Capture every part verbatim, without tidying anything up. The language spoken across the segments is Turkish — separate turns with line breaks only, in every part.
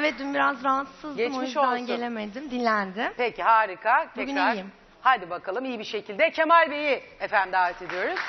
Evet, dün biraz rahatsızdım,
Geçmiş
o yüzden
olsun.
gelemedim. Dinlendim.
Peki, harika.
Bugün
Tekrar.
iyiyim.
Hadi bakalım iyi bir şekilde. Kemal Bey'i efendim davet ediyoruz.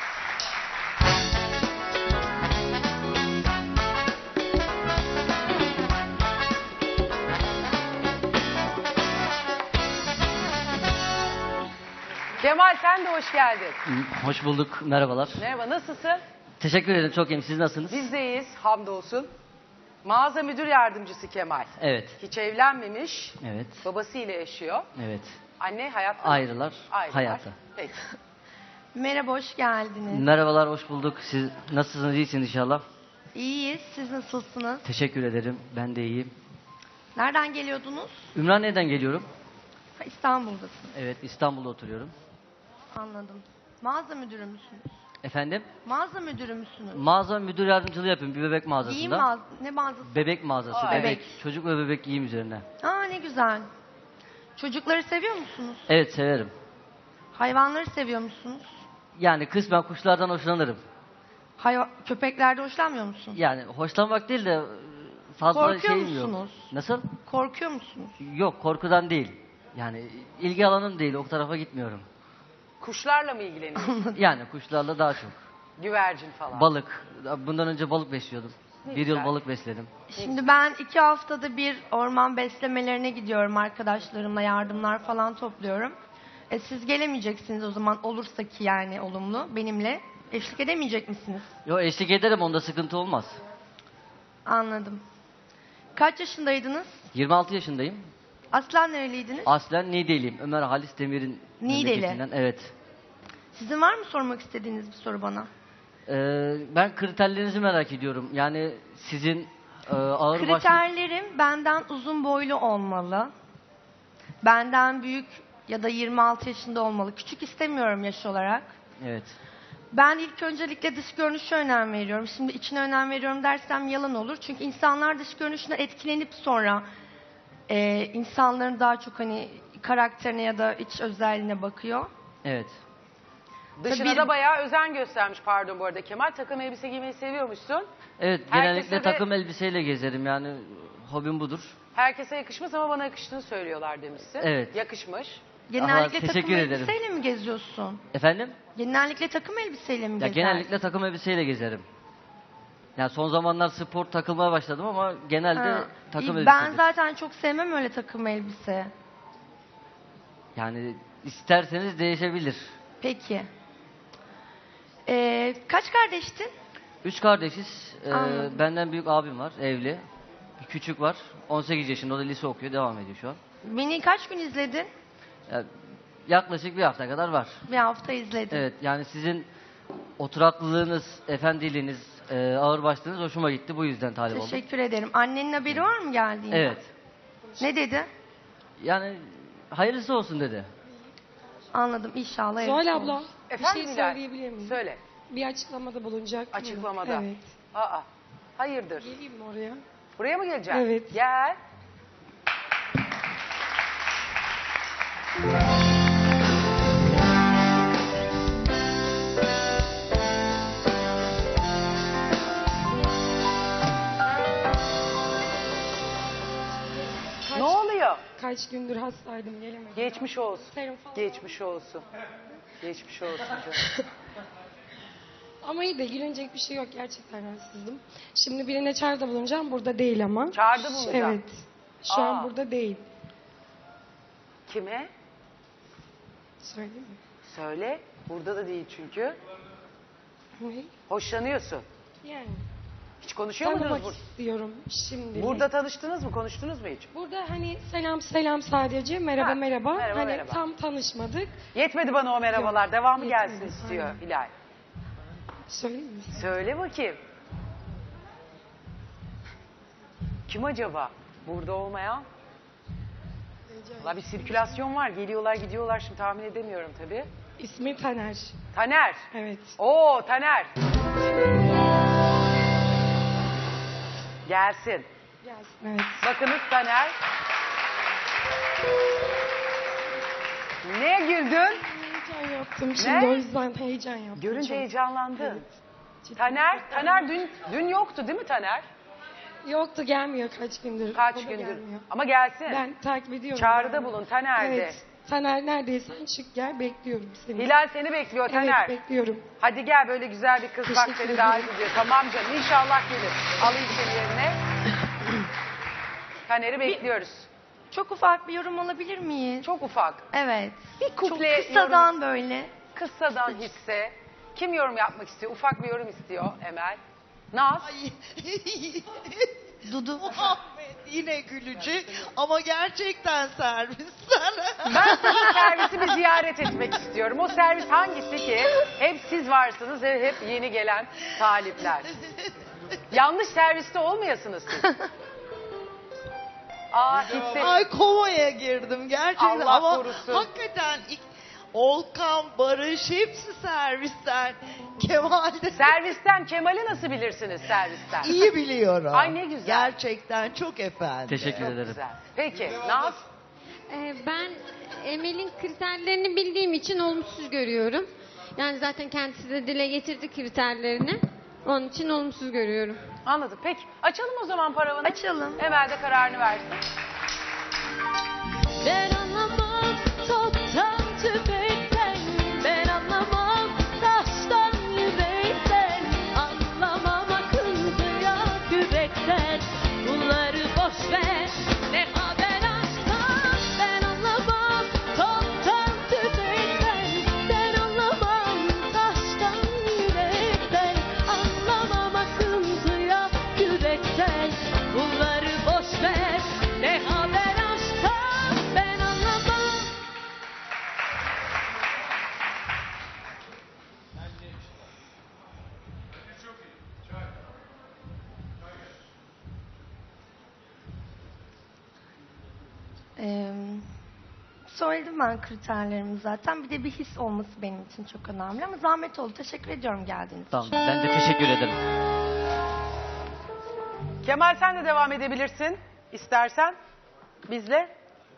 Kemal, sen de hoş geldin.
Hoş bulduk, merhabalar.
Merhaba, nasılsın?
Teşekkür ederim, çok iyiyim. Siz nasılsınız?
Biz de iyiyiz, hamdolsun. Mağaza müdür yardımcısı Kemal.
Evet,
Hiç evlenmemiş,
evet,
babasıyla yaşıyor.
evet.
Anne hayatta mı?
Ayrılar,
Ayrılar.
hayata.
Peki.
Merhaba, hoş geldiniz.
Merhabalar, hoş bulduk. Siz nasılsınız, iyisiniz inşallah?
İyiyiz, siz nasılsınız?
Teşekkür ederim, ben de iyiyim.
Nereden geliyordunuz?
Ümraniye'den geliyorum.
Ha, İstanbul'dasınız.
Evet, İstanbul'da oturuyorum.
Anladım. Mağaza müdürü müsünüz?
Efendim,
Mağaza müdürü müsünüz?
mağaza müdür yardımcılığı yapıyorum bir bebek mağazasında.
Giyim mağaza... Ne mağazası?
Bebek mağazası,
Aa,
bebek.
bebek.
Çocuk ve bebek giyim üzerine.
Aa, ne güzel. Çocukları seviyor musunuz?
Evet, severim.
Hayvanları seviyor musunuz?
Yani kısmen kuşlardan hoşlanırım.
Hayva... Köpeklerde hoşlanmıyor musun?
Yani hoşlanmak değil de fazla
Korkuyor
şeyim yok.
musunuz?
Nasıl?
Korkuyor musunuz?
Yok, korkudan değil. Yani ilgi alanım değil, o tarafa gitmiyorum.
Kuşlarla mı ilgileniyorsun?
Yani kuşlarla daha çok.
Güvercin falan.
Balık. Bundan önce balık besliyordum.
Ne
bir
güzel.
yıl balık besledim.
Şimdi ben iki haftada bir orman beslemelerine gidiyorum arkadaşlarımla, yardımlar falan topluyorum. E, siz gelemeyeceksiniz o zaman, olursa ki yani olumlu benimle. Eşlik edemeyecek misiniz?
Yo, eşlik ederim, onda sıkıntı olmaz.
Anladım. Kaç yaşındaydınız?
yirmi altı yaşındayım.
Aslen nereliydiniz?
Aslen Niğdeliyim. Ömer Halis Demir'in
Niğdeli.
memleketinden. Evet.
Sizin var mı sormak istediğiniz bir soru bana?
Ee, ben kriterlerinizi merak ediyorum. Yani sizin e, ağır başlı...
Kriterlerim benden uzun boylu olmalı. Benden büyük ya da yirmi altı yaşında olmalı. Küçük istemiyorum yaş olarak.
Evet.
Ben ilk öncelikle dış görünüşe önem veriyorum. Şimdi içine önem veriyorum dersem yalan olur. Çünkü insanlar dış görünüşüne etkilenip sonra e, insanların daha çok hani karakterine ya da iç özelliğine bakıyor.
Evet.
Dışına
Tabii-
da bayağı özen göstermiş, pardon bu arada Kemal. Takım elbise giymeyi seviyormuşsun.
Evet,
Herkese
genellikle
de-
takım elbiseyle gezerim. Yani hobim budur.
Herkese yakışmaz ama bana yakıştığını söylüyorlar demişsin.
Evet.
Yakışmış.
Genellikle
Aha,
takım
teşekkür ederim.
elbiseyle mi geziyorsun?
Efendim?
Genellikle takım elbiseyle mi
Ya
gezersin?
genellikle takım elbiseyle gezerim. Yani son zamanlar spor takılmaya başladım ama genelde
Ha,
takım
iyi.
elbisedir.
Ben zaten çok sevmem öyle takım elbise.
Yani isterseniz değişebilir.
Peki. Ee, kaç kardeştin?
Üç kardeşiz. Ee,
Anladım.
benden büyük abim var, evli. Bir küçük var. on sekiz yaşında, o da lise okuyor, devam ediyor şu an.
Beni kaç gün izledin?
Yani yaklaşık bir hafta kadar var.
Bir hafta izledim.
Evet, yani sizin oturaklılığınız, efendiliğiniz, e, ağırbaşlığınız hoşuma gitti. Bu yüzden talip oldum.
Teşekkür ederim. Annenin haberi var mı geldiğinde?
Evet.
Ne dedi?
Yani hayırlısı olsun dedi.
Anladım, inşallah.
Zuhal
evet
abla,
olur.
bir
Efendim
şey
Hilal?
söyleyebilir miyim?
Söyle.
Bir açıklamada bulunacak mıyım?
Açıklamada.
Evet.
Aa, hayırdır?
Geleyim mi oraya?
Buraya mı geleceksin?
Evet.
Gel. Ne oluyor?
Kaç gündür hastaydım, gelemedim.
Geçmiş olsun.
Serum falan.
Geçmiş olsun. Geçmiş olsun canım.
Ama iyi de gülünecek bir şey yok, gerçekten rahatsızdım. Şimdi birine çağrıda bulunacağım, burada değil ama.
Çağrıda bulunacağım.
Evet. Şu
Aa.
an burada değil.
Kime?
Söyleyeyim mi?
Söyle. Burada da değil çünkü.
Ne?
Hoşlanıyorsun.
Yani.
Hiç konuşuyor muydunuz
Tanımak
burada?
istiyorum şimdi.
Burada tanıştınız mı? Konuştunuz mu hiç?
Burada hani selam selam sadece, merhaba
Ha,
merhaba.
merhaba,
Hani
merhaba.
tam tanışmadık.
Yetmedi bana o merhabalar.
Yok,
Devamı
yetmedi,
gelsin istiyor
aynen.
Hilal.
Söyleyeyim mi?
Söyle bakayım. Kim acaba? Burada olmayan? Valla bir sirkülasyon var. Geliyorlar gidiyorlar. Şimdi tahmin edemiyorum tabii.
İsmi Taner.
Taner.
Evet.
Oo Taner. Gelsin.
Gelsin. Evet.
Bakınız Taner. Ne güldün?
Heyecan yaptım şimdi,
Ne?
o yüzden heyecan yaptım.
Görünce
çok.
heyecanlandın.
Evet. Cidden.
Taner, Taner dün dün yoktu değil mi Taner?
Yoktu, gelmiyor kaç gündür.
Kaç
O da
gündür?
gelmiyor.
Ama gelsin.
Ben takip ediyorum.
Çağrıda
yani.
bulun Taner'de.
Evet. Taner neredeysen çık gel, bekliyorum seni.
Hilal seni bekliyor Taner.
Evet, bekliyorum.
Hadi gel, böyle güzel bir kız bak
Teşekkür
seni
ederim.
davet ediyor. Tamam canım, inşallah gelir. Alayım seni yerine. Taner'i bekliyoruz.
Çok ufak bir yorum alabilir miyiz?
Çok ufak.
Evet.
Bir kuple
Çok kısadan
yorum,
böyle.
kıssadan hisse. Kim yorum yapmak istiyor? Ufak bir yorum istiyor Emel. Naz.
Dudu.
Muhammed yine gülücü ama gerçekten servisler.
Ben sizin servisi bir ziyaret etmek istiyorum. O servis hangisi ki? Hep siz varsınız ve hep yeni gelen talipler. Yanlış serviste olmayasınız siz. Aa, gitsin.
Ay komaya girdim gerçekten
Allah
ama
korusun.
hakikaten ilk- Olkan, Barış hepsi servisten. Kemal'de
Servisten Kemal'i nasıl bilirsiniz servisten?
iyi biliyorum.
Ay ne güzel.
Gerçekten çok efendi.
Teşekkür
Çok
ederim.
güzel. Peki Naz.
Ee, Ben Emel'in kriterlerini bildiğim için olumsuz görüyorum. Yani zaten kendisi de dile getirdi kriterlerini. Onun için olumsuz görüyorum.
Anladım. Peki açalım o zaman paravanı.
Açalım.
Emel de kararını versin.
Ben anlamam toptan tüfekten, ben anlamam taştan yürekten, anlamam akıntıya kürekten, bunları boş ver, ne haber aşktan. Ben anlamam toptan tüfekten, ben anlamam taştan yürekten, anlamam akıntıya kürekten, bunları boş ver, ne haber aşktan. Ben anlamam.
Ee, söyledim ben kriterlerimi zaten. Bir de bir his olması benim için çok önemli. Ama zahmet oldu. Teşekkür ediyorum geldiğiniz için.
Tamam, ben de teşekkür ederim.
Kemal sen de devam edebilirsin istersen bizle.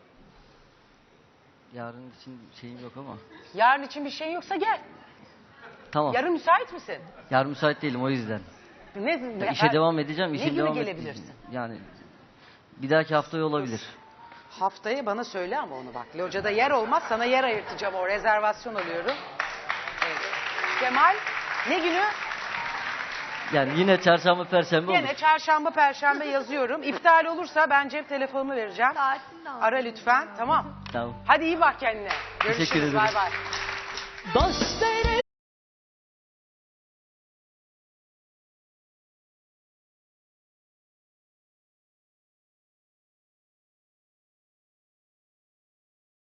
Yarın için şeyim yok ama.
Yarın için bir şey yoksa gel.
Tamam.
Yarın müsait misin?
Yarın müsait değilim o yüzden.
Ne,
Ya işe devam edeceğim.
Ne
işe
gibi
devam
gelebilirsin?
et- Yani bir dahaki haftaya olabilir.
Haftaya bana söyle ama onu bak. Locada yer olmaz, sana yer ayırtacağım, o rezervasyon alıyorum. Evet. Kemal ne günü?
Yani yine çarşamba perşembe olur.
Yine çarşamba perşembe yazıyorum. İptal olursa ben cep telefonumu vereceğim.
Saatini de al.
Ara lütfen, tamam.
Tamam.
Hadi iyi bak kendine.
Teşekkür
Görüşürüz,
ederim.
bay bay.
Boş ver